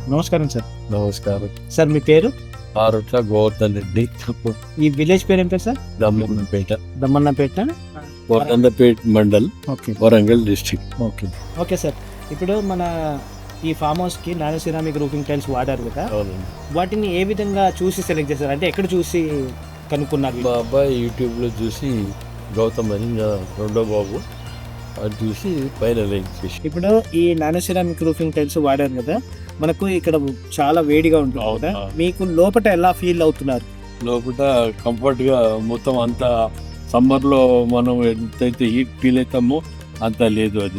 నమస్కారం సార్. నమస్కారం సార్ మీ పేరు? ఆరుట్ల గోవర్ధన్ రెడ్డి, ఈ విలేజ్ పేరు ఏం పేరు sir? Dammannapeta, Dammannapeta, Govardhannapeta mandal, okay Warangal district. Okay okay sir. ఇప్పుడు మన ఈ ఫామ్ హౌస్కి నానో సిరామిక్ రూఫింగ్ టైల్స్ వాడారు కదా, అవునండి. వాటిని ఏ విధంగా చూసి సెలెక్ట్ చేశారు? అంటే ఎక్కడ చూసి కనుక్కున్నారు? మా అబ్బాయి యూట్యూబ్లో చూసి, గౌతమ్ అని నా రెండో బాబు, అది చూసి పైన లైక్ చేసి. ఇప్పుడు ఈ నానో సిరామిక్ రూఫింగ్ టైల్స్ వాడారు కదా, మనకు ఇక్కడ చాలా వేడిగా ఉంటుంది కదా, మీకు లోపల ఎలా ఫీల్ అవుతున్నారు? లోపల కంఫర్ట్గా మొత్తం అంతా సమ్మర్లో మనం ఎంతైతే హీట్ ఫీల్ అవుతామో అంత లేదు. అది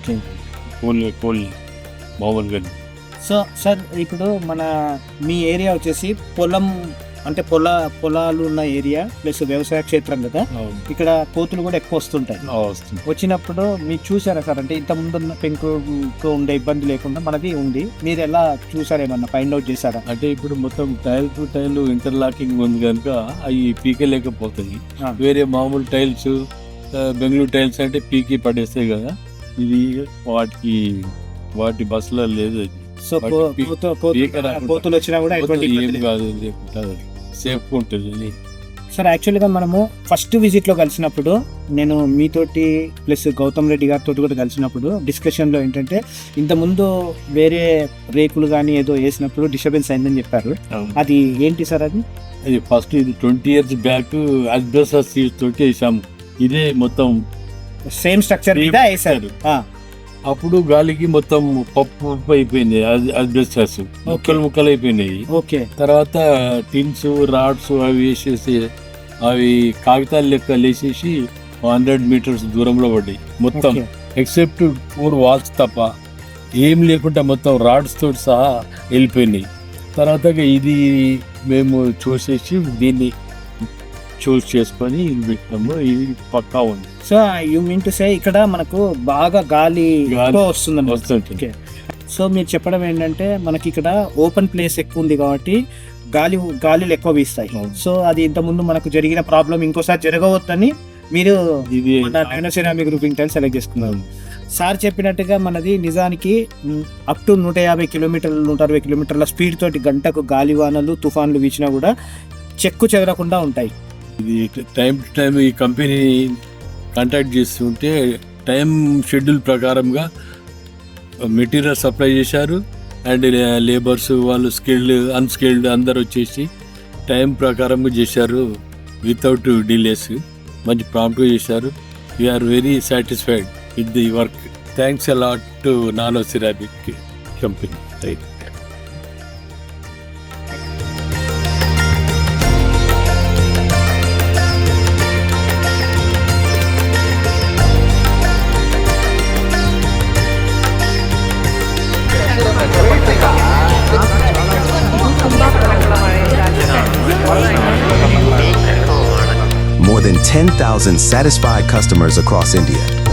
కూల్ మామూలుగా. సో సార్, ఇప్పుడు మీ ఏరియా వచ్చేసి పొలం, అంటే పొలాలు ఉన్న ఏరియా ప్లస్ వ్యవసాయ క్షేత్రం కదా, ఇక్కడ కోతులు కూడా ఎక్కువ వస్తుంటాయి. వచ్చినప్పుడు మీరు చూసారా సార్? అంటే ఇంత ముందున్న పెంకుకు ఉండే ఇబ్బంది లేకుండా మనది ఉంది, మీరు ఎలా చూసారేమన్నా ఫైండ్ అవుట్ చేశారా? అంటే ఇప్పుడు మొత్తం టైల్ టు టైల్ ఇంటర్లాకింగ్ ఉంది కనుక అవి పీకలేకపోతాయి. వేరే మామూలు టైల్స్, బెంగళూరు టైల్స్ అంటే పీకి పడేస్తాయి కదా, ఇది వాటి బస్సులో లేదు. అది సో కోతులు వచ్చినా కూడా ఏం కాదు, సేఫ్ ఉంటుంది. సార్ యాక్చువల్గా మనము ఫస్ట్ విజిట్లో కలిసినప్పుడు, నేను మీతోటి ప్లస్ గౌతమ్ రెడ్డి గారితో కూడా కలిసినప్పుడు డిస్కషన్లో ఏంటంటే, ఇంతకుముందు వేరే రేకులు కానీ ఏదో వేసినప్పుడు డిస్టర్బెన్స్ అయిందని చెప్పారు. అది ఏంటి సార్? అది ఫస్ట్ ఇది 20 years బ్యాక్ అస్బెస్టాస్ తోటి వేసాము. ఇదే మొత్తం సేమ్ స్ట్రక్చర్ మీద వేసారు. అప్పుడు గాలికి మొత్తం పప్పు అయిపోయింది, అస్బెస్టాస్ ముక్కలు అయిపోయినాయి. ఓకే. తర్వాత టిన్స్, రాడ్స్ అవి వేసేసి అవి కాగితాలు లెక్క లేసేసి 100 meters దూరంలో పడ్డాయి మొత్తం, ఎక్సెప్ట్ 4 walls తప్ప ఏం లేకుండా మొత్తం రాడ్స్ తోటి సహా వెళ్ళిపోయినాయి. తర్వాత ఇది మేము చూసేసి దీన్ని చూస్ చేసుకొని ఇది పెట్టినాము. ఇది పక్కా ఉంది. So you mean to say ఇక్కడ మనకు బాగా గాలి వస్తుంది. సో మీరు చెప్పడం ఏంటంటే, మనకి ఇక్కడ ఓపెన్ ప్లేస్ ఎక్కువ ఉంది కాబట్టి గాలిలు ఎక్కువ వీస్తాయి. సో అది ఇంతకుముందు మనకు జరిగిన ప్రాబ్లం ఇంకోసారి జరగవద్దని మీరు nano ceramic roofing tiles select చేసుకున్నారు. సార్ చెప్పినట్టుగా మనది నిజానికి up to 150 kilometers 160 kilometers speed తోటి గంటకు గాలివానలు, తుఫాన్లు వీచినా కూడా చెక్కు చెదరకుండా ఉంటాయి. ఇది టైం టు టైం ఈ కంపెనీ కాంటాక్ట్ చేస్తుంటే టైం షెడ్యూల్ ప్రకారంగా మెటీరియల్ సప్లై చేశారు. అండ్ లేబర్స్ వాళ్ళు స్కిల్డ్, అన్స్కిల్డ్ అందరు వచ్చేసి టైం ప్రకారంగా చేశారు, వితౌట్ డిలేస్. మంచి ప్రాంప్ట్గా చేశారు. We are very satisfied with the work. Thanks a lot to nano ceramic company. More than 10,000 satisfied customers across India.